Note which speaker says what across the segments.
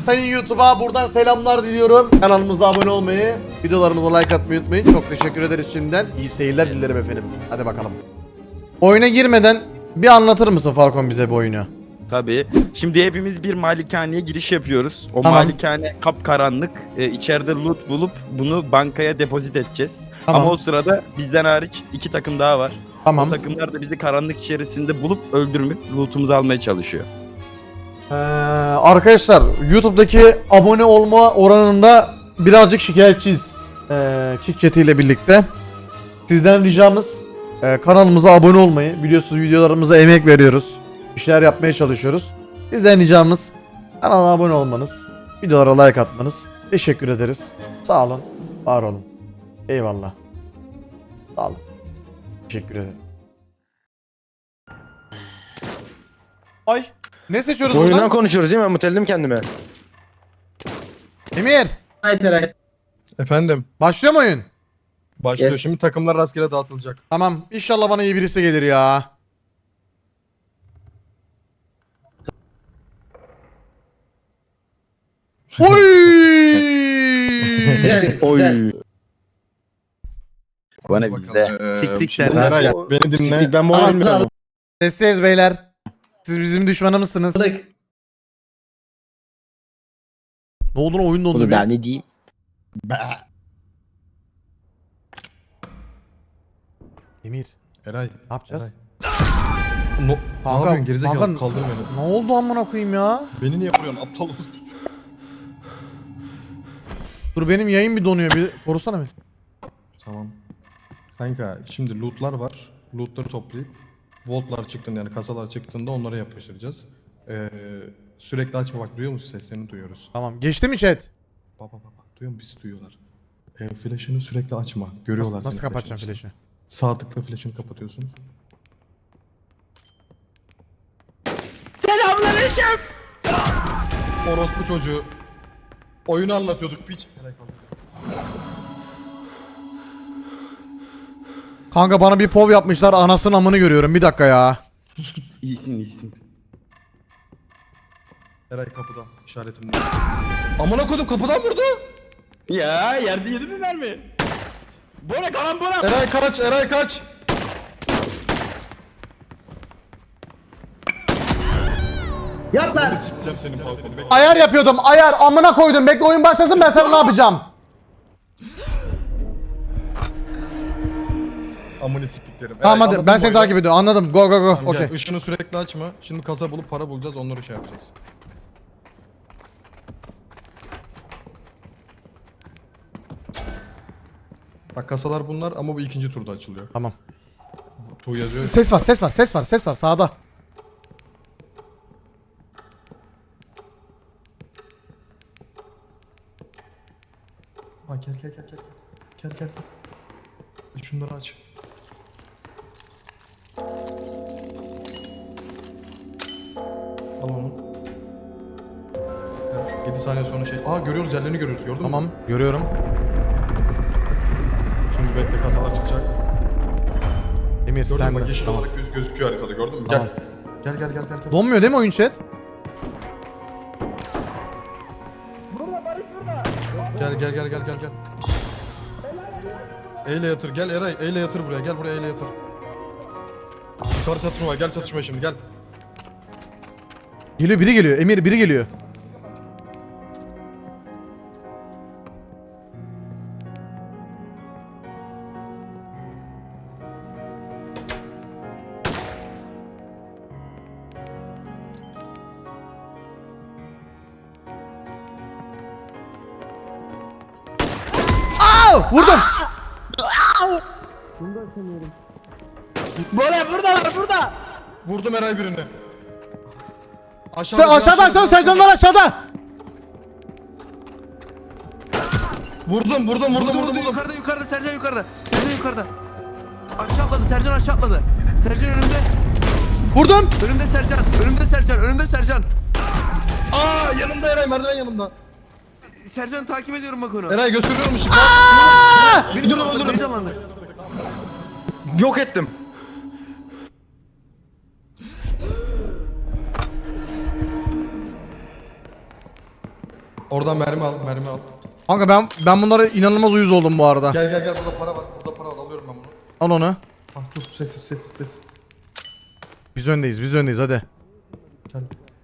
Speaker 1: Sayın YouTube'a buradan selamlar diliyorum. Kanalımıza abone olmayı, videolarımıza like atmayı unutmayın. Çok teşekkür ederiz şimdiden. İyi seyirler dilerim efendim. Hadi bakalım. Oyuna girmeden bir anlatır mısın Falcon bize bu oyunu?
Speaker 2: Tabii. Şimdi hepimiz bir malikaneye giriş yapıyoruz. O
Speaker 1: Tamam.
Speaker 2: malikane kapkaranlık. İçeride loot bulup bunu bankaya depozit edeceğiz.
Speaker 1: Tamam.
Speaker 2: Ama o sırada bizden hariç 2 takım daha var.
Speaker 1: Tamam.
Speaker 2: O takımlar da bizi karanlık içerisinde bulup öldürüp lootumuzu almaya çalışıyor.
Speaker 1: Arkadaşlar YouTube'daki abone olma oranında birazcık şikayetçiyiz. Kick Chat ile birlikte. Sizden ricamız kanalımıza abone olmayı. Biliyorsunuz videolarımıza emek veriyoruz. Bir şeyler yapmaya çalışıyoruz. Sizden ricamız kanala abone olmanız. Videolara like atmanız. Teşekkür ederiz. Sağ olun. Var olun. Eyvallah. Sağ olun. Teşekkür ederim. Ay. Ne seçiyoruz
Speaker 3: Oyundan
Speaker 1: buradan?
Speaker 3: konuşuyoruz değil mi? Mutelledim kendime.
Speaker 1: Emir.
Speaker 4: Efendim,
Speaker 1: Başlıyor mu oyun?
Speaker 4: başlıyor.
Speaker 5: Yes.
Speaker 4: Şimdi takımlar rastgele dağıtılacak.
Speaker 1: Tamam. İnşallah bana iyi birisi gelir ya. Oy!
Speaker 5: Güzel,
Speaker 3: Oy.
Speaker 5: güzel.
Speaker 2: Bana bizde.
Speaker 5: Tik
Speaker 4: Şimdi
Speaker 5: derler.
Speaker 4: Eray, beni dinle.
Speaker 3: Siktir, ben bu oyunu bilmiyorum.
Speaker 1: Sessiz beyler. Siz bizim düşmanımızsınız.
Speaker 5: Aldık.
Speaker 1: Ne oldu lan oyun dondu
Speaker 3: Oğlum
Speaker 1: bir.
Speaker 3: ben ne diyeyim?
Speaker 1: Emir
Speaker 4: Eray,
Speaker 1: ne yapacağız?
Speaker 4: Eray. Ne yapıyorsun gerizekalı?
Speaker 1: kanka,
Speaker 4: Kaldır beni.
Speaker 1: ne oldu amına koyayım ya?
Speaker 4: Beni niye vuruyorsun aptal?
Speaker 1: Dur benim yayın bir donuyor bir korusana beni.
Speaker 4: Tamam. Kanka şimdi lootlar var. Lootları toplayıp vaultlar çıktığında yani kasalar çıktığında onlara yapıştıracağız. Sürekli açma bak duyuyor musun seslerini duyuyoruz.
Speaker 1: Tamam geçti mi chat?
Speaker 4: Bak duyuyor musun? Bizi duyuyorlar. Flash'ını sürekli açma. Görüyorlar
Speaker 1: Nasıl
Speaker 4: seni
Speaker 1: kapatacağım
Speaker 4: flash'ını.
Speaker 1: flash'ı?
Speaker 4: Sağ tıkla flash'ını kapatıyorsun.
Speaker 5: Selamünaleyküm.
Speaker 4: Orospu çocuğu. Oyunu anlatıyorduk piç.
Speaker 1: Kanka bana bir pov yapmışlar anasının amını görüyorum bir dakika ya.
Speaker 2: İyisin.
Speaker 4: Eray kapıda işaretimde. Amına koydum kapıdan vurdu.
Speaker 2: Ya yerde yedi mi mermi? Bora kalan bora.
Speaker 4: Eray kaç.
Speaker 5: Yat lan.
Speaker 4: Sikeceğim senin balkonu. Bekle.
Speaker 1: Ayar yapıyordum ayar amına koydum bekle oyun başlasın ben sana ne yapacağım?
Speaker 4: Amını siktiklerim.
Speaker 1: Tamam
Speaker 4: Eray,
Speaker 1: hadi
Speaker 4: anladın
Speaker 1: ben
Speaker 4: mı
Speaker 1: seni
Speaker 4: oyunu?
Speaker 1: takip ediyorum anladım go go go
Speaker 4: Tamam, gel,
Speaker 1: okey.
Speaker 4: ışını sürekli açma. Şimdi kasa bulup para bulacağız onları şey yapacağız. Bak kasalar bunlar ama bu ikinci turda açılıyor.
Speaker 1: Tamam.
Speaker 4: Tu yazıyor.
Speaker 1: Ses var sağda.
Speaker 4: Ha gel. Gel. Şunları aç. Al onu. 7 saniye sonra şey. Aa görüyoruz yerlerini görüyoruz gördün mü?
Speaker 1: Tamam görüyorum.
Speaker 4: Şimdi bekle kasalar çıkacak.
Speaker 1: Emir
Speaker 4: Gördün
Speaker 1: sen
Speaker 4: mü? Bak
Speaker 1: de.
Speaker 4: yeşil
Speaker 1: Tamam.
Speaker 4: olarak gözüküyor haritada gördün mü?
Speaker 1: Tamam.
Speaker 4: Gel. Gel.
Speaker 1: Donmuyor değil mi oyun chat?
Speaker 4: Gel. Eyle yatır gel Eray eyle yatır buraya gel buraya eyle yatır. Yukarı çatışma var gel çatışma şimdi gel.
Speaker 1: Geliyor biri geliyor Emir biri geliyor. Aa, vurdum.
Speaker 5: Bora burada.
Speaker 4: Vurdum Eray birini.
Speaker 1: Sen aşağıda Sercanlar aşağıda.
Speaker 4: Vurdum.
Speaker 5: Yukarıda Sercan yukarıda. Aşağı atladı Sercan aşağı atladı. Sercan önümde.
Speaker 1: Vurdum.
Speaker 5: Önümde Sercan.
Speaker 4: Aa yanımda Eray merdiven yanımda.
Speaker 5: Sercan'ı takip ediyorum bak onu.
Speaker 4: Eray gösteriyorum şimdi.
Speaker 5: Beni canlandır.
Speaker 3: Yok ettim.
Speaker 4: Oradan mermi al, mermi al.
Speaker 1: Kanka ben bunlara inanılmaz uyuz oldum bu arada.
Speaker 4: Gel gel gel, burada para var. Burada para var, alıyorum ben bunu.
Speaker 1: Al onu.
Speaker 4: Ah dur, sessiz sessiz sessiz.
Speaker 1: Biz öndeyiz hadi.
Speaker 4: Gel.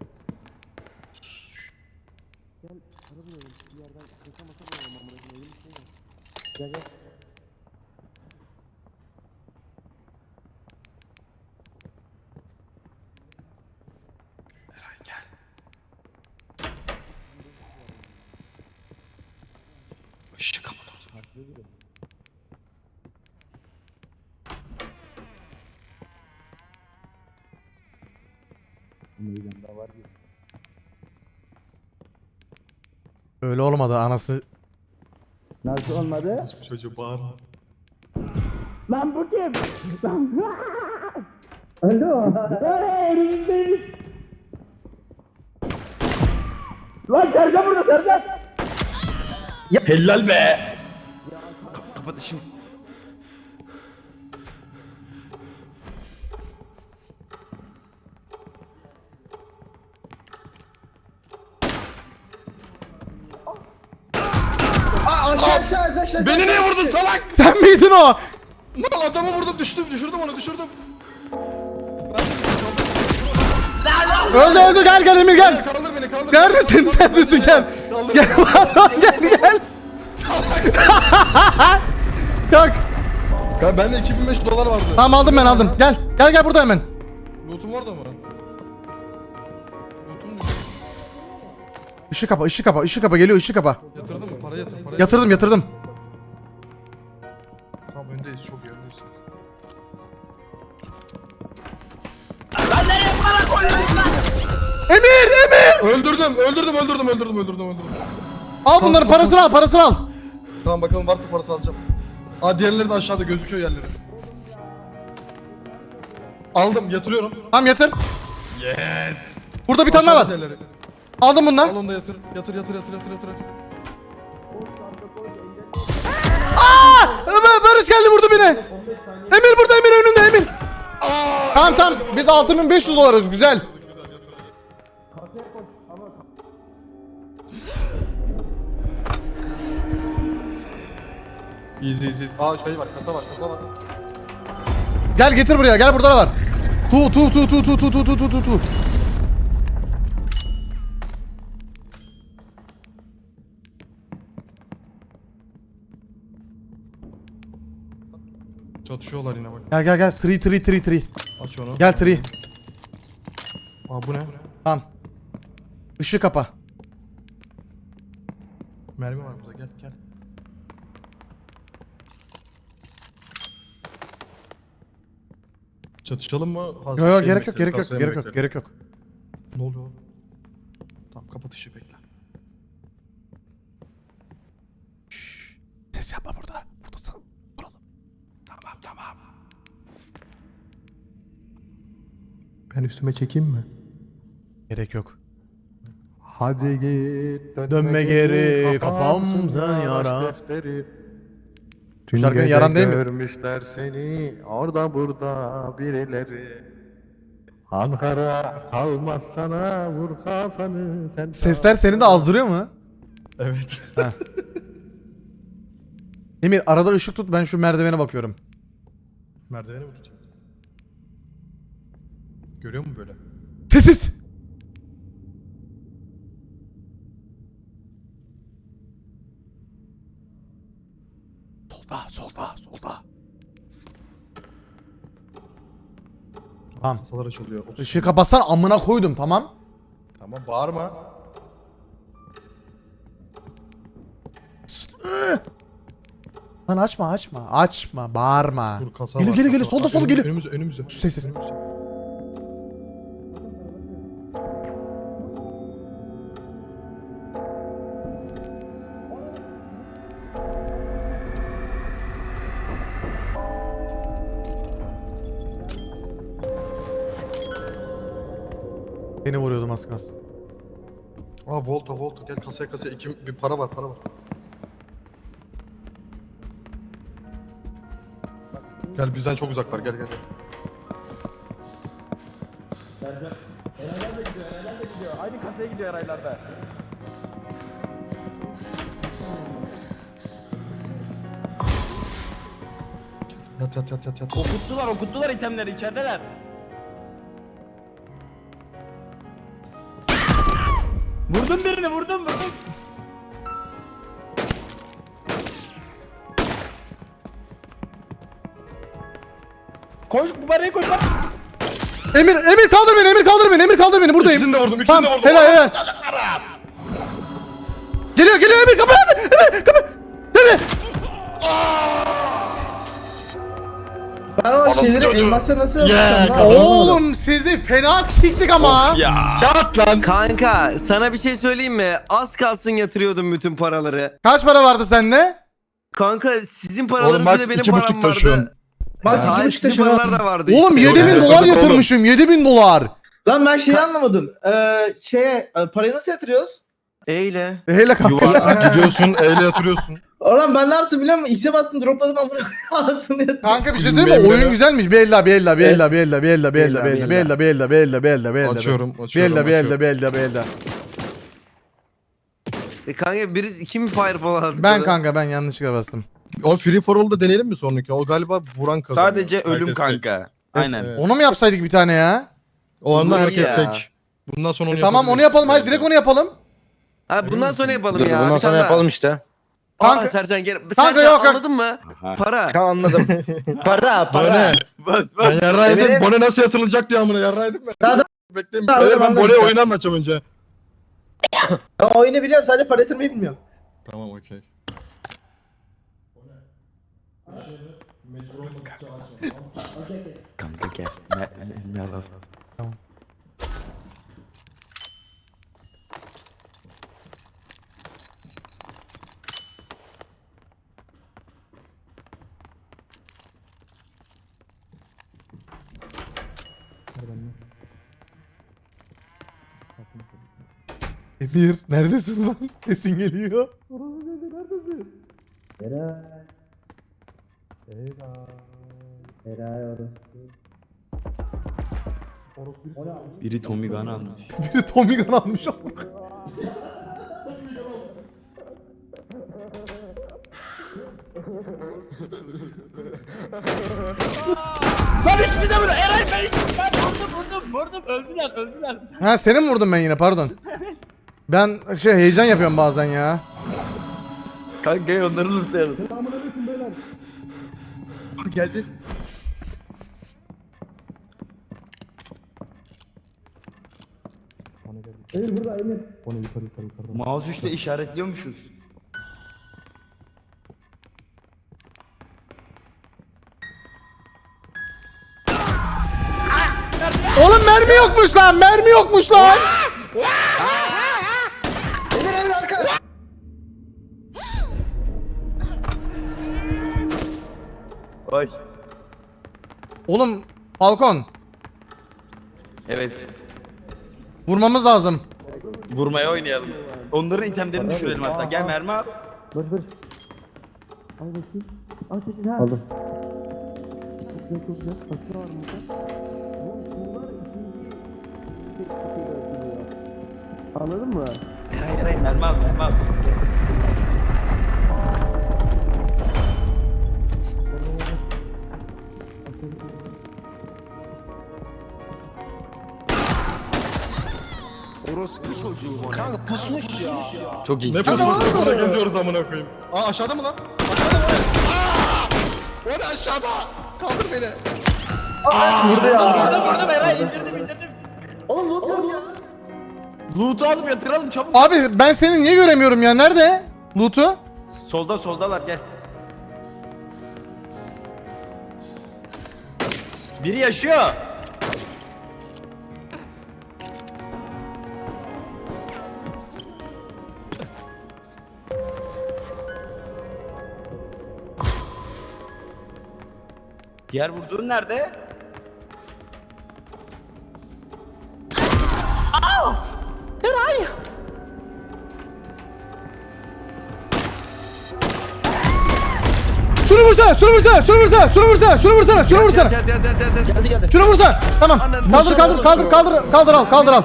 Speaker 4: Işığı kapat orada.
Speaker 1: Öyle olmadı anası.
Speaker 6: Nasıl olmadı?
Speaker 4: Hiçbir çocuğu bağır.
Speaker 6: Lan bu kim? Alo. Elimizdeyiz. Lan Sercan burada Sercan.
Speaker 3: Helal be.
Speaker 2: Kapat işini.
Speaker 4: Beni niye vurdun salak?
Speaker 1: Sen miydin o?
Speaker 4: Lan adamı vurdum, düşürdüm onu, düşürdüm.
Speaker 1: Öldü gel Emir gel.
Speaker 4: Kaldır beni, kaldır.
Speaker 1: Neredesin? Neredesin gel.
Speaker 4: Kaldır.
Speaker 1: Gel gel. Kalk.
Speaker 4: Kanka bende 2500 dolar vardı.
Speaker 1: Tamam aldım. Gel burada hemen.
Speaker 4: Loot'um orada mı? Loot'um düştü.
Speaker 1: Işığı kapa geliyor ışığı kapa.
Speaker 4: Yatırdın mı? Para yatır, para
Speaker 1: Yatırdım.
Speaker 4: Tamam, öndeyiz, çok iyi öndeyiz.
Speaker 1: Emir.
Speaker 4: Öldürdüm.
Speaker 1: Al bunların parasını al.
Speaker 4: Tamam bakalım, varsa parası alacağım. Aa, diğerleri de aşağıda gözüküyor yerleri. Aldım, yatırıyorum.
Speaker 1: Tamam yatır.
Speaker 4: Yes.
Speaker 1: Burada bir tane daha var.
Speaker 4: Diğerleri.
Speaker 1: Aldım bundan.
Speaker 4: Al onu da yatır. Yatır.
Speaker 1: Barış geldi vurdu beni. Emir burada önümde Emir. Tamam biz 6500 dolarız güzel.
Speaker 4: Easy. Aa, şey var, kasa var.
Speaker 1: Gel getir buraya gel burada da var. Tu.
Speaker 4: Çatışıyorlar yine bak.
Speaker 1: Gel 3.
Speaker 4: Aç onu.
Speaker 1: Gel 3.
Speaker 4: Aa, bu ne?
Speaker 1: Tamam. Işığı kapa.
Speaker 4: Mermi var burada, gel. Çatışalım mı?
Speaker 1: Yok gerek yok.
Speaker 4: Ne oluyor? Tamam, kapat ışığı, bekle.
Speaker 1: Ses yapma burada. Buradasın. Duralım.
Speaker 4: Tamam. Ben üstüme çekeyim mi?
Speaker 1: Gerek yok.
Speaker 3: Hadi git.
Speaker 1: Dönme geri, kafamda yara. Şarkının yaran değil mi?
Speaker 3: Görmüşler seni orada burada birileri. Ankara kalmaz sana vur kafanı sen.
Speaker 1: Sesler seni de azdırıyor mu?
Speaker 4: Evet.
Speaker 1: Emir arada ışık tut ben şu merdivene bakıyorum.
Speaker 4: Merdiveni mi tutayım? Görüyor musun böyle?
Speaker 1: Sessiz. Solda. Tamam.
Speaker 4: Kasalar açılıyor.
Speaker 1: Işığı kapatsan amına koydum tamam.
Speaker 4: Tamam, bağırma.
Speaker 1: Lan açma bağırma.
Speaker 4: Dur, kasa
Speaker 1: Geliyor
Speaker 4: var,
Speaker 1: geliyor
Speaker 4: kasa var.
Speaker 1: solda geliyor.
Speaker 4: Önümüzde.
Speaker 1: Ses. Seni vuruyordum az kalsın.
Speaker 4: Aa, Volta gel, kasaya bir para var. Gel, bizden çok uzak var, gel.
Speaker 6: Aynı kasaya gidiyor herhalde.
Speaker 4: yat.
Speaker 2: Okuttular itemleri içerideler. Vurdum birini vurdum. Koş bu parayı koş bak.
Speaker 1: Emir kaldır beni buradayım.
Speaker 4: İkisini de vurdum,
Speaker 1: Tamam, helal. Geliyor Emir kapı. Emir kapı. Emir.
Speaker 7: Ben o şeyleri elmasları nasıl yapacağım lan?
Speaker 1: Oğlum sizi fena siktik ama.
Speaker 4: Yat lan.
Speaker 5: Kanka sana bir şey söyleyeyim mi? Az kalsın yatırıyordum bütün paraları.
Speaker 1: Kaç para vardı sende?
Speaker 5: Kanka sizin
Speaker 4: Oğlum
Speaker 5: paralarınız
Speaker 4: max
Speaker 5: bir de benim
Speaker 4: 2,5
Speaker 5: param vardı.
Speaker 4: taşıyorsun.
Speaker 7: Bak
Speaker 5: Hayır,
Speaker 7: 2,5
Speaker 5: sizin
Speaker 7: taşın
Speaker 5: paralar da vardı.
Speaker 1: Oğlum
Speaker 5: işte.
Speaker 1: 7000 dolar
Speaker 4: Oğlum.
Speaker 1: yatırmışım. 7000 dolar.
Speaker 7: Lan ben şeyi anlamadım. Parayı nasıl yatırıyoruz?
Speaker 5: Eyle.
Speaker 1: Hele kanka.
Speaker 4: Gidiyorsun eyle yatırıyorsun.
Speaker 7: Oğlum ben ne yaptım biliyor musun? X'e bastım dropladım amına ağzını yatırdım.
Speaker 1: Kanka bir şey söyleyeyim mi?
Speaker 4: Bilmiyorum
Speaker 1: Oyun
Speaker 4: ya.
Speaker 1: güzelmiş. Bella.
Speaker 4: Açıyorum.
Speaker 5: Kanka biri kim fireball aldı?
Speaker 1: Ben kanka ben yanlışlıkla bastım.
Speaker 4: O Free for All'da deneyelim mi sonraki? O galiba vuran kazanıyor.
Speaker 2: Sadece ölüm
Speaker 4: Herkes tek.
Speaker 2: kanka. Aynen.
Speaker 4: Evet.
Speaker 1: Onu mu yapsaydık bir tane ya?
Speaker 4: O anda
Speaker 5: Olur
Speaker 4: herkes
Speaker 5: ya.
Speaker 4: tek. Bundan sonra onu
Speaker 1: Tamam onu yapalım. Hadi direkt onu yapalım.
Speaker 5: Abi bundan sonra yapalım ya.
Speaker 8: Bundan
Speaker 5: Bir
Speaker 8: sonra
Speaker 5: tane
Speaker 8: yapalım işte.
Speaker 1: Kanka-
Speaker 5: Aa Sercan gel.
Speaker 1: Kanka,
Speaker 5: Sercan
Speaker 1: yok.
Speaker 5: anladın mı?
Speaker 2: Aha.
Speaker 5: Para.
Speaker 8: Tamam anladım. Para.
Speaker 4: Bone.
Speaker 2: Bas
Speaker 4: Ben yarraydım.
Speaker 7: Eminim.
Speaker 4: Bone nasıl yatırılacak diye amına yarraydım ben.
Speaker 7: Daha da-
Speaker 4: Bekleyin.
Speaker 7: Daha
Speaker 4: Beyler,
Speaker 7: da-
Speaker 4: ben Bone'ye oyunu anlatacağım önce.
Speaker 7: Ben oyunu biliyorum sadece para yatırmayı bilmiyorum.
Speaker 4: Tamam okey.
Speaker 2: Kanka gel. Ne lazım?
Speaker 1: Emir neredesin lan? Sesin geliyor.
Speaker 2: Biri Tommy Gun almış.
Speaker 1: Biri Tommy Gun almış.
Speaker 2: Lan ikisi de burada. Eray Bey. Ben vurdum. Öldüler.
Speaker 1: Ha seni mi vurdum ben yine pardon. Ben heyecan yapıyorum bazen ya.
Speaker 2: Kanka gel onları lootlayalım.
Speaker 5: Geldi.
Speaker 2: Mouse 3'te işaretliyormuşuz.
Speaker 1: Oğlum mermi yokmuş lan. Mermi yokmuş lan.
Speaker 7: Emir arka.
Speaker 2: Oy.
Speaker 1: Oğlum Falcon
Speaker 2: Evet.
Speaker 1: vurmamız lazım.
Speaker 2: Vurmaya oynayalım. Onların itemlerini düşürelim hatta. Gel mermi al.
Speaker 6: Anladın mı?
Speaker 2: Eray mermi al. Gel.
Speaker 5: Orospu çocuğu bu ne?
Speaker 7: Kanka pusmuş ya.
Speaker 2: Çok iyi.
Speaker 4: Ne yapıyorsunuz? Burada geziyoruz amına koyayım. Aa aşağıda mı lan? Aşağıda mı? Aa! O da aşağıda. Kaldır beni.
Speaker 2: Vurdum Eray indirdim.
Speaker 7: Oğlum loot yok ya.
Speaker 2: Loot'u alıp yatıralım çabuk.
Speaker 1: Abi ben seni niye göremiyorum ya? Nerede? Loot'u?
Speaker 2: Soldalar gel. Biri yaşıyor. Diğer vurduğun nerede?
Speaker 1: Şunu vursana.
Speaker 5: Gel.
Speaker 7: Geldi geldi.
Speaker 1: Şunu vursana. Tamam. Kaldır al.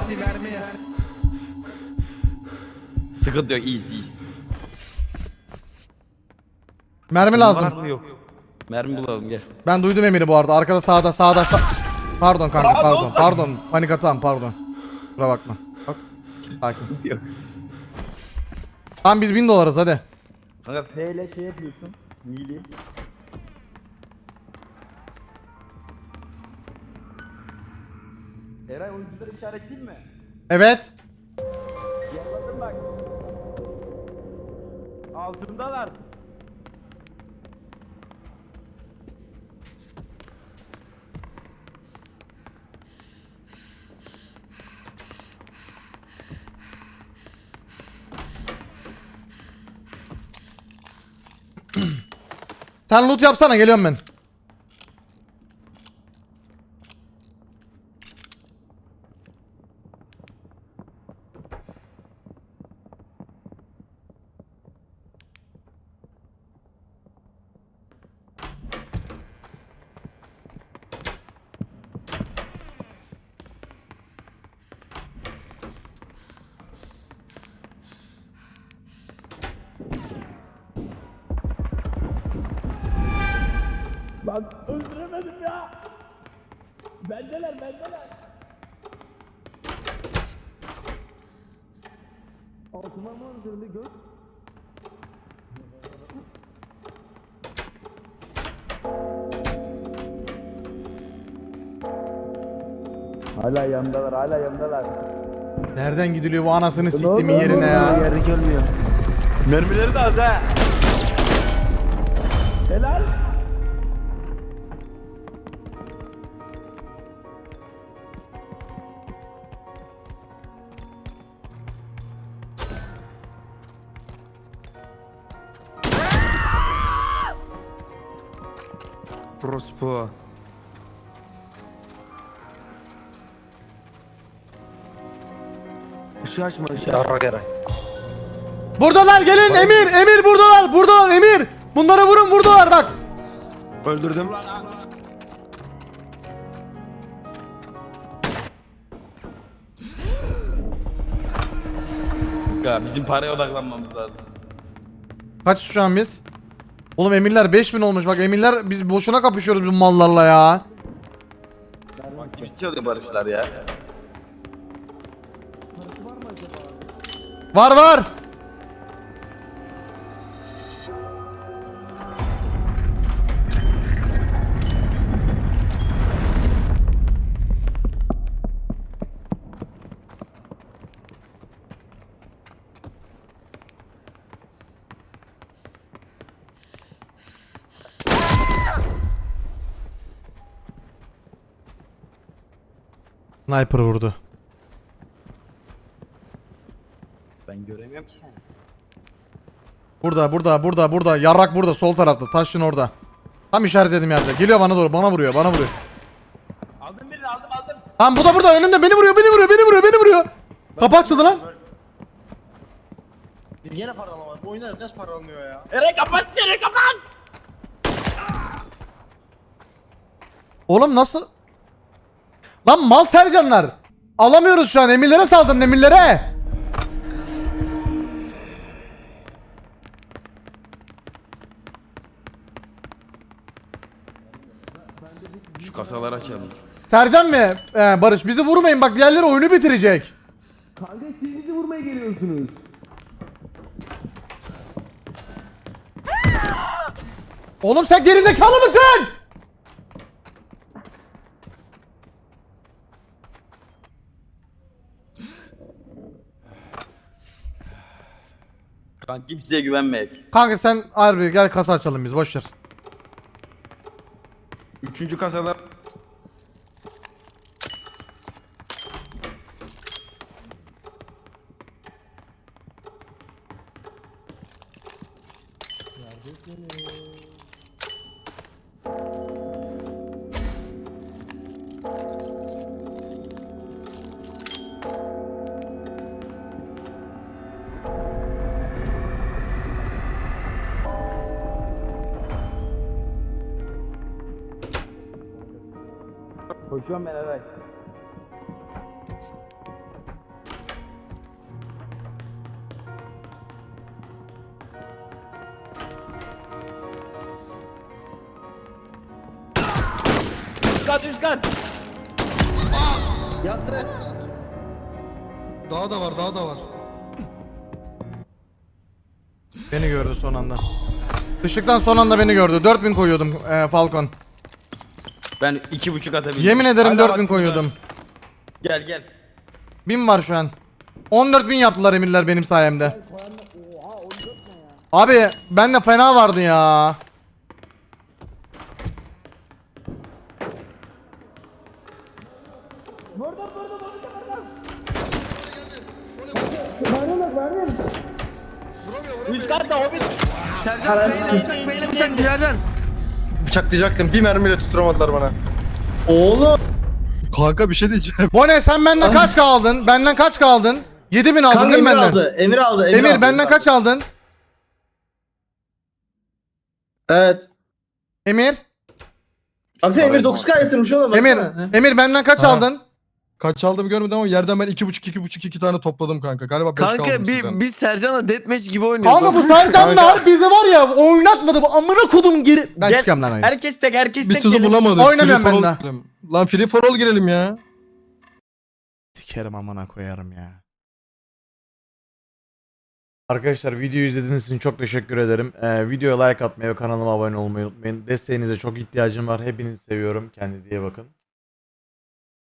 Speaker 2: Sıkıntı yok, iyiyiz.
Speaker 1: Mermi
Speaker 2: Var
Speaker 1: lazım.
Speaker 2: mı yok? Mermi bulalım gel.
Speaker 1: Ben duydum Emir'i bu arada. Arkada sağda. Pardon kanka pardon. Panik atağım pardon. Kusura bakma. Bak. Sakin.
Speaker 2: Yok.
Speaker 1: Tamam biz 1000 dolarız hadi.
Speaker 2: Kanka F ile şey yapıyorsun. Mili. Eray oyuncuları işaretleyeyim mi?
Speaker 1: Evet.
Speaker 2: Yolladım bak. Altındalar.
Speaker 1: Sen loot yapsana geliyorum ben.
Speaker 2: Lan öldüremedim ya. Bendeler. Altıma mı üzerinde göz? Hala yandalar.
Speaker 1: Nereden gidiliyor bu anasını siktiğimin yerine ya?
Speaker 7: Yerde görmüyor.
Speaker 2: Mermileri de az ha. Helal.
Speaker 5: Prospo. Işığı açma ışığı.
Speaker 8: Yarrak Eray.
Speaker 1: Buradalar gelin Emir buradalar Emir. Bunları vurun buradalar bak.
Speaker 5: Öldürdüm.
Speaker 2: Ya bizim paraya odaklanmamız lazım.
Speaker 1: Kaç şu an biz? Oğlum emirler 5000 olmuş bak emirler biz boşuna kapışıyoruz bu mallarla ya.
Speaker 2: Bak kim çalıyor barışlar ya.
Speaker 1: Var. Sniper vurdu.
Speaker 2: Ben göremiyorum ki seni.
Speaker 1: Burada. Yarrak burada sol tarafta. Taşın orada. Tam işaretledim yerde. Geliyor bana doğru. Bana vuruyor.
Speaker 2: Aldım birini aldım.
Speaker 1: Tamam bu da burada önümde. Beni vuruyor. Kapı açıldı lan.
Speaker 8: Biz yine para alamadık. Bu oyunlar nasıl para almıyor ya?
Speaker 2: Eray kapat içeri kapat.
Speaker 1: Oğlum nasıl? Lan mal Sercanlar. Alamıyoruz şu an. Emirlere saldırın emirlere.
Speaker 2: Şu kasaları açalım.
Speaker 1: Sercan mı? Barış bizi vurmayın bak diğerleri oyunu bitirecek.
Speaker 7: Kanka siz bizi vurmaya geliyorsunuz.
Speaker 1: Oğlum sen gerizekalı mısın?
Speaker 2: Kanka kimseye güvenmeyek.
Speaker 1: Kanka sen harbi gel kasa açalım biz boşver.
Speaker 2: Üçüncü kasalar. Koşuyorum ben Eray. üst kat.
Speaker 7: Yattı.
Speaker 4: Daha da var, daha da var.
Speaker 1: Beni gördü son anda. Işıktan son anda beni gördü. 4000 koyuyordum Falcon.
Speaker 2: Ben 2,5 atabildim.
Speaker 1: Yemin ederim
Speaker 2: Hala
Speaker 1: 4000
Speaker 2: bak-
Speaker 1: koyuyordum.
Speaker 2: Gel gel.
Speaker 1: 1000 var şu an. 14.000 yaptılar emirler benim sayemde. Abi bende fena vardı ya.
Speaker 2: Üst katta hobbit.
Speaker 5: Sercan beyle bıçak Sercan.
Speaker 8: Bıçaklayacaktım. Bir mermiyle tutturamadılar bana.
Speaker 7: Oğlum.
Speaker 3: Kanka bir şey diyeceğim.
Speaker 1: Bone sen benden kaç kaldın? Benden kaç kaldın? 7000 aldın
Speaker 7: Kanka
Speaker 1: değil mi
Speaker 7: Emir
Speaker 1: benden?
Speaker 7: aldı. Emir aldı.
Speaker 1: Emir
Speaker 7: aldı,
Speaker 1: benden
Speaker 7: aldı.
Speaker 1: kaç aldın?
Speaker 7: Evet.
Speaker 1: Emir?
Speaker 7: Baksana Emir 9K yatırmış oğlum.
Speaker 1: Emir,
Speaker 7: Baksana.
Speaker 1: Emir benden kaç
Speaker 4: Ha.
Speaker 1: aldın?
Speaker 4: Kaç aldığımı görmedim ama yerden ben 2,5 tane topladım kanka. Galiba 5 kaldı
Speaker 5: Kanka
Speaker 4: sizden.
Speaker 5: biz Sercan'la deathmatch gibi oynuyoruz.
Speaker 1: Kanka bu Sercanlar bizi var ya oynatmadı bu amına kodum geri. Ben
Speaker 2: Gel.
Speaker 1: çıkıyorum lan oyuna.
Speaker 2: Herkes tek
Speaker 4: Biz
Speaker 2: tek
Speaker 4: sizi
Speaker 2: gelin.
Speaker 4: bulamadık.
Speaker 1: Oynamıyorum
Speaker 4: Free for
Speaker 1: ben
Speaker 4: all
Speaker 1: de.
Speaker 4: girelim. Lan free for all girelim ya.
Speaker 1: Sikerim amına koyarım ya. Arkadaşlar videoyu izlediğiniz için çok teşekkür ederim. Videoya like atmayı ve kanalıma abone olmayı unutmayın. Desteğinize çok ihtiyacım var. Hepinizi seviyorum. Kendinize iyi bakın.